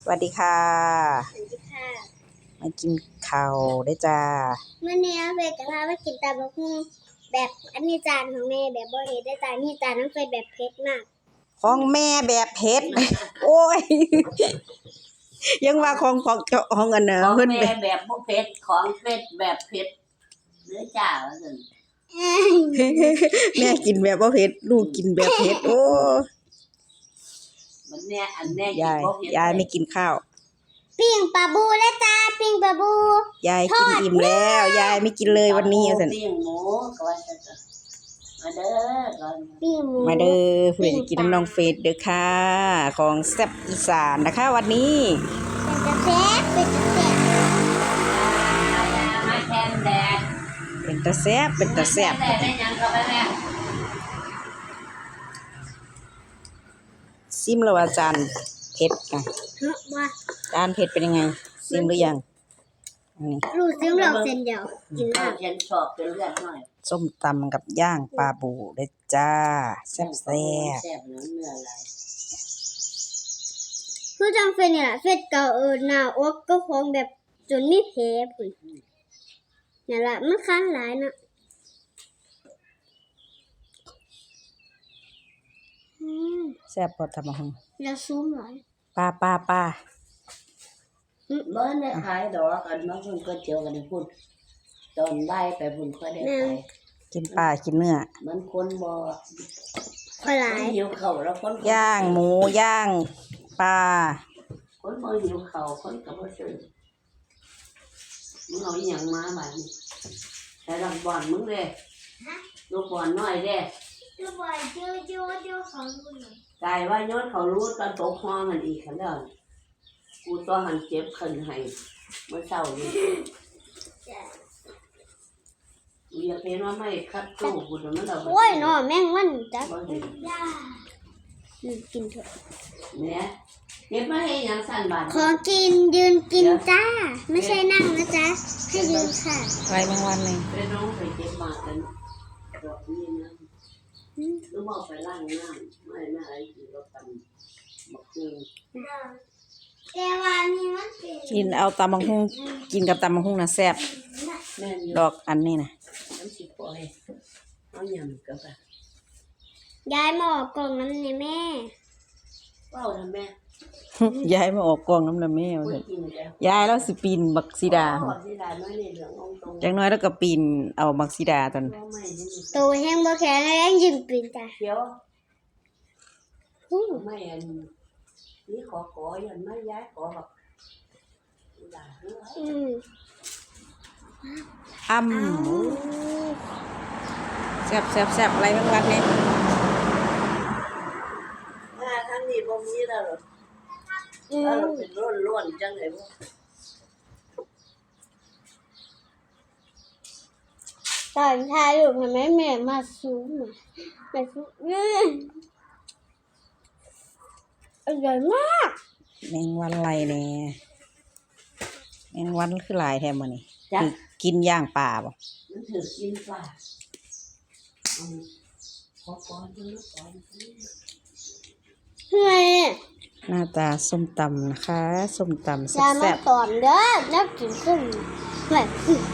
สวัสดีค่ะสวัสดีค่ะมากินข้าวได้จ้าเมื่อนี้เฟยจะพาไปกินตำบักหุ่งแบบอันนี้จานของแม่แบบบ่เฮ็ดได้จานนี้จานน้องเฟยแบบเผ็ดมากของแม่แบบเผ็ด โอ้ย ยังว่าของเจ้าของอันเนอะของเพิ่นแม่แบบบ่เผ็ดของเผ็ดแบบเผ็ดเนื้อจ้าว่าซั่นแม่กินแบบบ่เผ็ดลูกกินแบบเผ็ดโอ้มันเนี่ยอันแน่กินยายบ่เผ็ดยายไม่กินข้าวปิ้งปลาบูและจ้าปิ้งปลาบูยายกินอิ่มแล้วยายไม่กินเลยวันนี้ว่าซั่นปิ้งหมูก็ว่าซั่นมาเด้อก่อนปิ้งหมูมาเด้อผู้ใดจะกินน้ำน้องเฟซเด้อค่ะ ของแซ่บอีสานนะคะวันนี้เป็นจะแซ่บมาแทนแดดเป็นตาแซ่บเป็นตาแซ่บแดดได้หยังก็ไปแม่ซิมแล้วว่าจานเผ็ดนะเฮ้ยว่าจานเผ็ดเป็นยังไงซิมหรือยังอันนี้ลูกซื้อเราเส้นเดียวกินข้าแล้ว วเย็นชอบเป็นเลือดหน่อยส้มตำกับย่างปลาบูเด้อจ้าแซ่บแซ่บเนื้อหลายคือจังเฟยเนี่ยเฟยเก่าหน้าอกก็คงแบบจนมีแผลพุ่นนี่นล่ะมันคันหลายนะแซ่บพอทำมาหงแล้วซูมหลายป้าบ่ได้ขายดอกอันมาเพิ่นก็เจียวกันให้พุ่นตอนบ่ายไปพุ่นค่อยได้ขายกินปลากินเนื้อมันคนบ่ค่อยหลายหิวข้าวแล้วคนย่างหมูย่างปลาคนบ่หิวข้าวคนก็บ่ซื้อมึงเอาอีหยังมาบัดนี้แต่ลำบอนมึงเด้ลูกบอนน้อยเด้คือบ่อยเจอของคุณกายว่าย้อนเขารู้ตอนตกห้องมันอีกคันเด้อกูตัวหันเจ็บขึ้นให้เมื่อเช้านี้กูอยากเห็นว่าไม่คัดตู้กูแต่มันเอาโอ้ยเนาะแม่งมันจักบ่เห็นกินเถอะเนี่ยเก็บมาให้หยังสั่นบาดของกินยืนกินจ้า ไม่ใช่นั่งนะจ๊ะให้ยืนค่ะไรแมงวันเลยไปน้องไปเก็บมากันดอกนี้นะหรือว่าไปล้างน้ำไม่น่าไอ้ที่เราทำบักฮูแต่ว่านี่มันเป็นกินเอาตำบักหุ่งกินกับตำบักหุ่งนะแซ่บแม่นอยู่ดอกอันนี้นะน้ำสิปล่อยเอาหยำกับอะยายมาออกกล่องน้ำในแม่เป้าทำแม่ยายมาออกกองน้ำละแม่ว่าพูดซั่นกินแล้วยายแล้วสิปีนบักซีดาอ๋อสีดาน้อยนี่เหลืององตรงจังน้อยแล้วก็ปีนเอาบักซีดาตอนเราไม่นี่โตแห้งบ่แข็งแรงยืนปีนจ้ะเขียวอู้ไม่อันนี่ขอยันไม่ย้ายขอแบบด่าเฮ้ยอืมอ้ำแซ่บอะไรแมงวันเนี่ยทั้งนี้บ่มีแล้วหรออืแล้วมเป็นล้วนๆจังเลยบ่ตอนทายอยู่ทำไมแม่มาซูมอ่ะแม่ซูมอร่อยมากแมงวันอะไรเนี่ยแมงวันคือหลายแท้มื้อนี้จ้ะคือกินย่างปลาบ่มันถือกินปลาขอก่อนดูก่อนเฮ้ยหน้าตาส้มตำนะคะส้มตำอย่ามาแซ่บตอนเด้อแล้วกินขึ้นเฮ้ย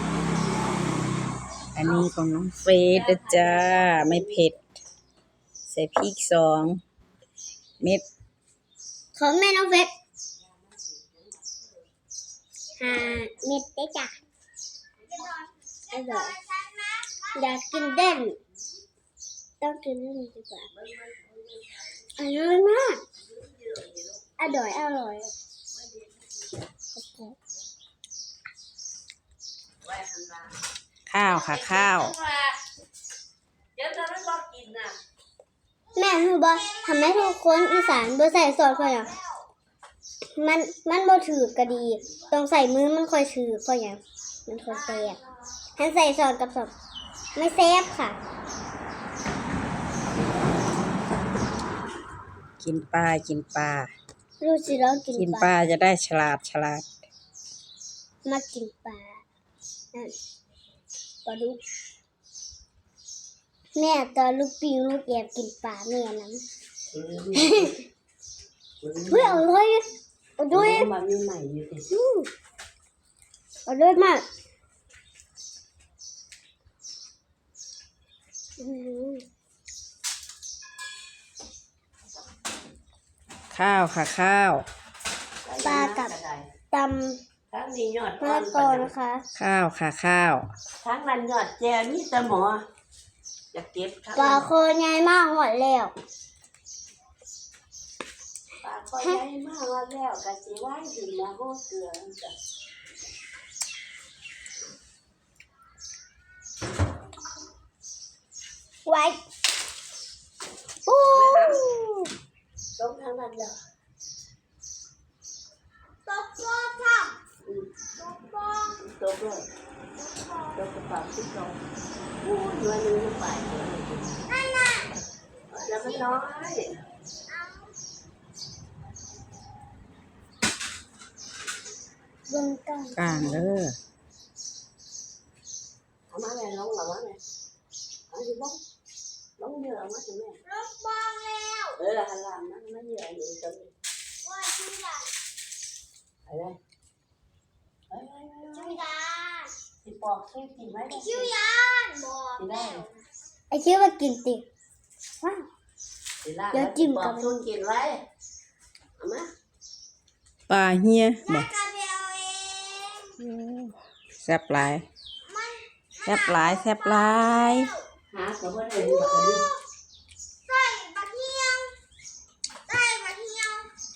ๆอันนี้ของน้องเฟสนะจ้าไม่เผ็ดใส่พริก2 เม็ดของแม่น้องเฟส5 เม็ดได้จ้ะอร่อยอยากกินเด่นต้องกินเด่นดีกว่าอร่อยมากอร่อยข้าวค่ะข้าวเดี๋ยวจะไม่บอกกินน่ะแม่รู้บ่ทำให้ทุกคนอีสานบ่ใส่ซอสเพราะหยังมันบ่ถือกะดีต้องใส่มือมันค่อยถือเพราะหยังมันค่อยแซ่บถ้าใส่ซอสกับซอสไม่แซ่บค่ะกินปลากินปลารู้สิเรากิกินนปปลาลาจะได้ฉลาดมากินปลานั่นปลาดุกแม่ตอนลูกปิงลูกแอบกินปลาแม่นั้นเฮ้ยอร่อยเอาด้วยมันมีใหม่อยู่ดิเอาด้วยมากอืมข้าวค่ะข้าวปลากับตำทั้งนี้ยอดมะละกอนะคะข้าวค่ะข้าวทั้งนั้นยอดแจมีแต่หมออยากเก็บทั้งปลาโคใหญ่มากหมดแล้วปลาคอยใหญ่มากว่าแล้วกะสิไว้ถึงมาโหเกลือจ้ะไว้อู้ต้องทั้งนั้นเลยตกฟองค่ะตกฟองตกเลยตกกระเป๋าที่สองพูดวันนึงไปนั่นน่ะแล้วมันน้อยเบิ่งกันกลางเด้อเอามาแม่ลงหรอวะแม่เอาสิลงลงเยอะมาสิแม่ลงฟองแล้วหันหลังมันไม่เยอะอยู่ตรงนี้ว่าชื่ออะไรอะไรไปชื่อยานสิปอกช่วยกินไว้ได้ชื่อยานบอกกินได้ไอ้ชื่อว่ากินติว้าวเดี๋ยวจิ้มกับช่วยกินไว้เอามาปลาเฮียบ่กระเบียวเองแซ่บหลายแซ่บหลายแซ่บหลายหาเขาบ่ได้ดูแบบนี้ใส่บะเทียมใส่บะเทียม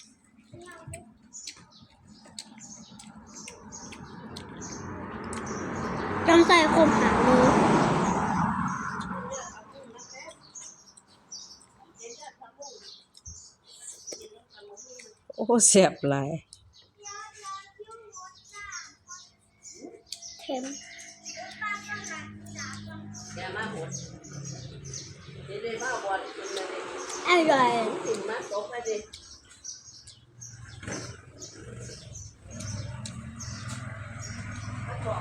ต้องใส่คมหางมือโอ้แซ่บหลายเค็มอย่ามาหดเดี๋ยวได้มาบอลกินมาเลยอร่อยกินมาตกไปดิ